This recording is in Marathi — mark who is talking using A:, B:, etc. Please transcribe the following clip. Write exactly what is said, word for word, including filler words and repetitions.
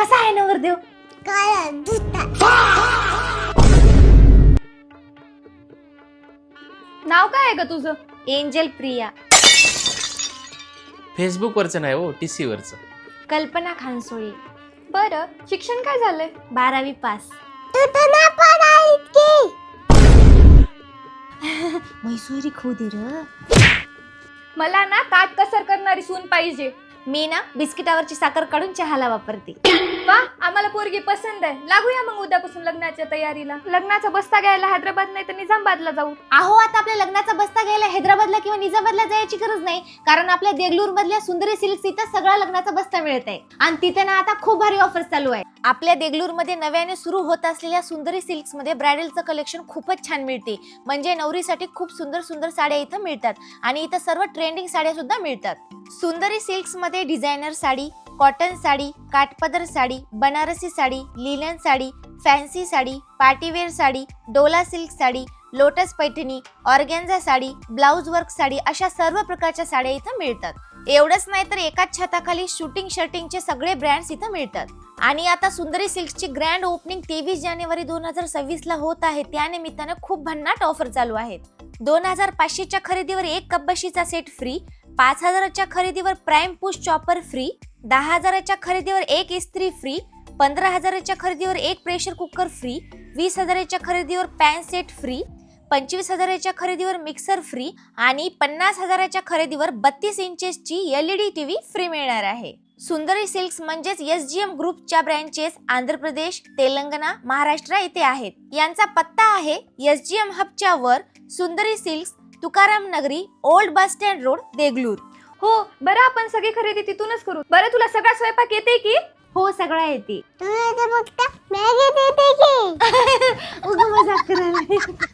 A: कसा आहे नवरदेव?
B: काळा धुता.
A: नाव काय आहे ग तुझं?
C: एंजल प्रिया.
D: फेसबुक वरचं नाही हो, टीसी वरचं.
C: कल्पना खानसोळी.
A: बरं, शिक्षण काय झालंय?
C: बारावी पास.
B: तू तर ना पण आहेस की.
C: मैसुरी खोदी र.
A: मला ना काट कसर करणारी सून पाहिजे.
C: मी ना बिस्किटावरची साखर काढून चहाला वापरते.
A: वा, आम्हाला पोरगी पसंत आहे. लागूया मग उद्यापासून लग्नाच्या तयारीला. लग्नाचा बस्ता घ्यायला हैदराबाद नाही तर निजामाबादला जाऊ.
C: अहो, आता आपल्या लग्नाचा बस्ता घ्यायला हैदराबादला किंवा निजामाबादला जायची गरज नाही, कारण आपल्या देगलूर मधल्या सुंदरी सिल्क्स इथं सगळा लग्नाचा बस्ता मिळत आहे. आणि तिथे ना आता खूप भारी ऑफर्स चालू आहे. आपल्या देगलूर मध्ये नव्याने सुरू होत असलेल्या सुंदरी सिल्क्स मध्ये ब्रायडलचं कलेक्शन खूपच छान मिळते. म्हणजे नवरीसाठी खूप सुंदर सुंदर साड्या इथं मिळतात आणि इथं सर्व ट्रेंडिंग साड्या सुद्धा मिळतात. सुंदरी सिल्क्स मध्ये डिझायनर साडी, कॉटन साडी, काठपदर sari, Banarasi sari, linen sari, fancy sari, partywear sari, डोला silk sari, lotus Paithani, organza sari, blouse work sari अशा सर्व प्रकारच्या साड्या इथं मिळतात. एवढंच नाही तर एकाच छताखाली शूटिंग शर्टिंगचे सगळे ब्रँड्स इथं मिळतात. आणि आता सुंदरी सिल्क्सची ग्रँड ओपनिंग तेवीस जानेवारी दोन हजार सव्वीस ला होत आहे. त्यानिमित्तानं खूप भन्नाट ऑफर चालू आहेत. दोन हजार पाचशेच्या खरेदीवर एक कपबशीचा सेट फ्री, पाच हजाराच्या खरेदीवर प्राइम पुश चॉपर फ्री, दहा हजाराच्या खरेदीवर एक इस्त्री फ्री, पंधरा हजाराच्या खरेदीवर एक प्रेशर कुकर फ्री, वीस हजाराच्या खरेदीवर पॅन सेट फ्री, पंचवीस हजाराच्या खरेदीवर मिक्सर फ्री आणि पन्नास हजाराच्या खरेदीवर बत्तीस इंचेसची एलईडी टीव्ही फ्री मिळणार आहे. सुंदरी सिल्क्स म्हणजेच एस जी एम ग्रुपच्या ब्रँचेस आंध्र प्रदेश, तेलंगणा, महाराष्ट्र इथे आहेत. यांचा पत्ता आहे एस जी एम हबच्या वर सुंदरी Silks, Tukaram Nagari, old bus stand road, Degloor.
A: हो, बरं आपण सगळी खरेदी तिथूनच करू. बरं, तुला सगळा स्वयंपाक येते की?
C: हो, सगळं येते.
B: तुला तर फक्त मॅगी देते की.
C: उगा मजाक करायला.